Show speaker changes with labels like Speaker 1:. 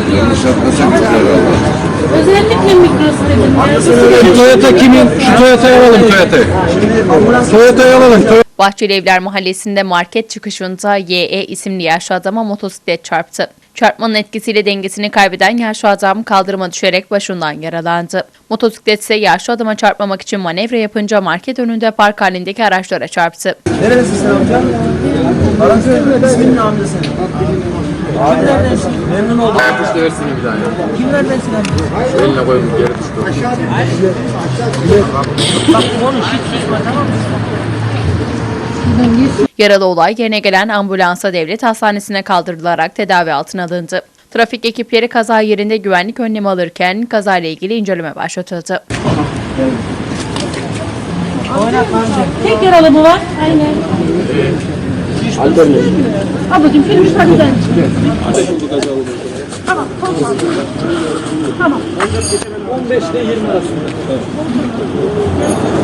Speaker 1: Yanlış yapmasam herhalde.
Speaker 2: Özellikle Migros dedim.
Speaker 3: Şu Toyota kimin? Şu Toyota'yı alalım Toyota'yı. Toyota'yı alalım.
Speaker 4: Bahçelievler Mahallesi'nde market çıkışında YE isimli yaşlı adama motosiklet çarptı. Çarpmanın etkisiyle dengesini kaybeden yaşlı adam kaldırıma düşerek başından yaralandı. Motosiklet ise yaşlı adama çarpmamak için manevra yapınca market önünde park halindeki araçlara çarptı.
Speaker 5: Nerelisin sen amca? Aranjör ismin ne amca senin? Abi neredensin? Memnun oldum.
Speaker 6: Ayaküstü versin bir tane.
Speaker 5: Kimlerdensin amca?
Speaker 6: Eline koyun geri düştü.
Speaker 5: Bak konuş hiç susma tamam mı?
Speaker 4: Yaralı olay yerine gelen ambulansa devlet hastanesine kaldırılarak tedavi altına alındı. Trafik ekipleri kaza yerinde güvenlik önlemi alırken kazayla ilgili inceleme başlatıldı.
Speaker 2: Tek yaralı mı var? Aynen. Ablacığım şöyle bir tane güzel. Tamam.
Speaker 5: 15 ile 20 arasında.